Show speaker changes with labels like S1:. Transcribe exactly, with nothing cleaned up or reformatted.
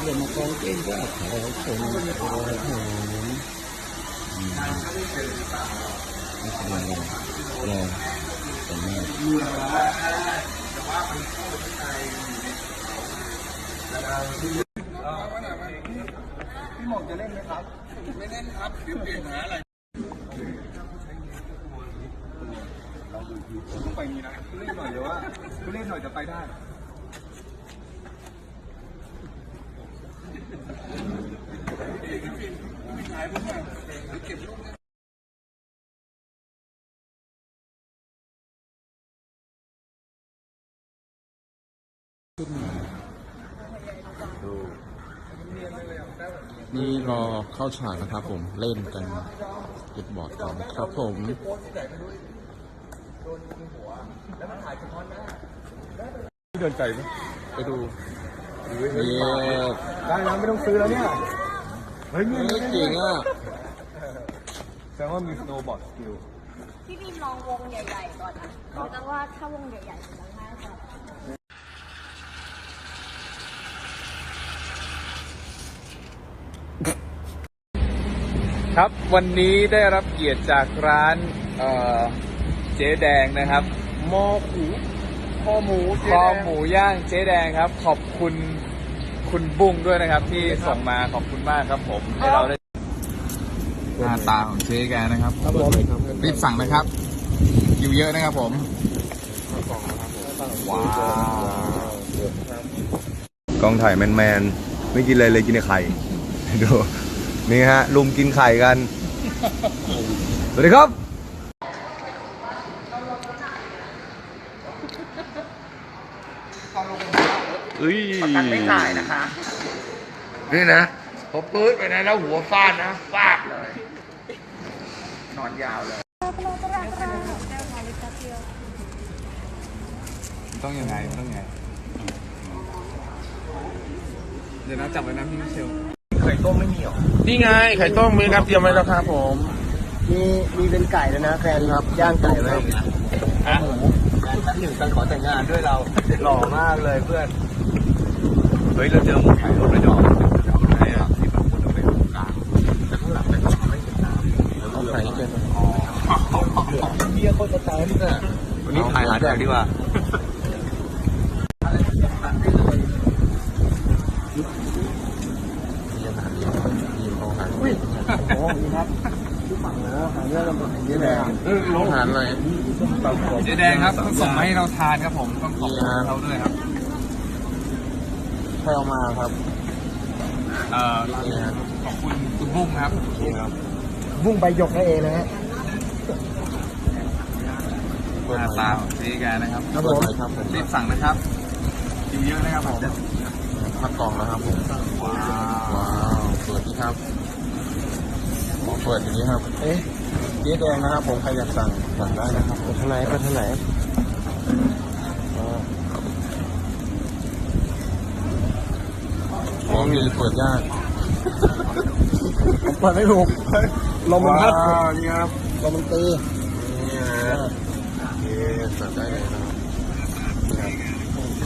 S1: จะมากองเต้นก็ขอคนโอ้โหไม่แสดงอะไรรอแต่แม่
S2: พี่หมอกจะเล่นไหมครับไม่เล่นครับเปลี่ยนหาอะไรเราดูทีต้องไปนี้นะคุณเล่นหน่อยเดี๋ยวว่าคุณเล่นหน่อยจะไปได้
S1: นี่รอเข้าฉากนะครับผมเล่นกันเก็บบอร์ดก่อนครับผม
S2: เดินใจไหม
S1: ไปดู
S2: เย้ได้แล้วไม่ต้องซื้อแล้วเนี่ยเฮ้ยนี่
S1: เก่งอ่ะ
S2: แสดงว่ามีสโนว์บอร์ดสกิล
S3: พี่บีมลองวงใหญ่ๆก่อนนะแต่ว่าถ้าวงใหญ่ๆจะง่ายกว่า
S4: ครับวันนี้ได้รับเกียรติจากร้านเอ่อเจ๊แดงนะครับหม้อหูคอหมูคอหมูย่างเจ๊แดงครับขอบคุณคุณบุ้งด้วยนะครับที่ส่งมาขอบคุณมากครับผมให้เราได้หน้าตาของเจ๊แกนะครับรีบสั่งนะครับอยู่เยอะนะครับผมว้าว
S2: กองถ่ายแมนๆไม่กินอะไรเลยกินแต่ไข่ดูนี่ฮะลุมกินไข่กันสวัสดีครับเอ้ย
S5: ประกันไม่จ่ายนะคะนี่นะพอปื๊ดไปนะแล้วหัวฟาดนะฟาดเลยนอนยาวเลย
S4: ต้องยังไงต้องยังไงเดี๋ยวนะจับไว้นะพี่มิเชล
S2: ไข่ต้มไม่มีหรอ
S5: นี่ไงไข่ต้มมีครับเตรียมไว้แล้วครับผม
S2: มีมีเป็นไก่แล้วนะแฟนครับย่างไก่ไว้
S4: ฮะ
S2: หนึ่งการขอแต่งงานด้วยเราหล่อมากเลยเพื่อนเฮ้ยเราเจอหมูไข่รถไม่ดอกไหนอ่ะที่แบบคนเอาไปตรงกลางแต่ข้างหลังเป็นไม่เห็นน้ำแล้วก็ไข่เป็นอ๋อเบียร์โคตรสไตล์นี่น่ะวันนี้ถ่ายหาแดกดีกว่าโอ้ยครับฝั่งนะหาเรื่องลำบากเยอะเลย
S1: อาหารอะไร
S4: เจ๊แดงครับต้องส่งมาให้เราทานครับผมต้องขอบคุณเขาด้วยครับ
S1: ใครเอามาครับ
S4: เอ่อขอบคุณคุณบุ้งครับ
S2: บุ้งใบหยกนั่นเองนะฮะ
S4: หน้าตาของเจ๊แกนะครับ
S1: ครับผม
S4: รีบสั่งนะครับอยู่เยอะนะครับผม
S1: พักกล่องนะครับผมว้าวสวัสดีครับเปิดอย่างนี้ครับเอ๊ะเจ๊แดงนะครับผมใครอยากสั่งสั่งได้นะครับไปทางไหนไปทางไหนอ๋อมีเปิดยาก
S2: เปิดไม่ถูกลมมันพัด
S1: นี่ครับ
S2: ลมมันตี
S1: นี่นะเอ๊ะสั่งได้เลยนะ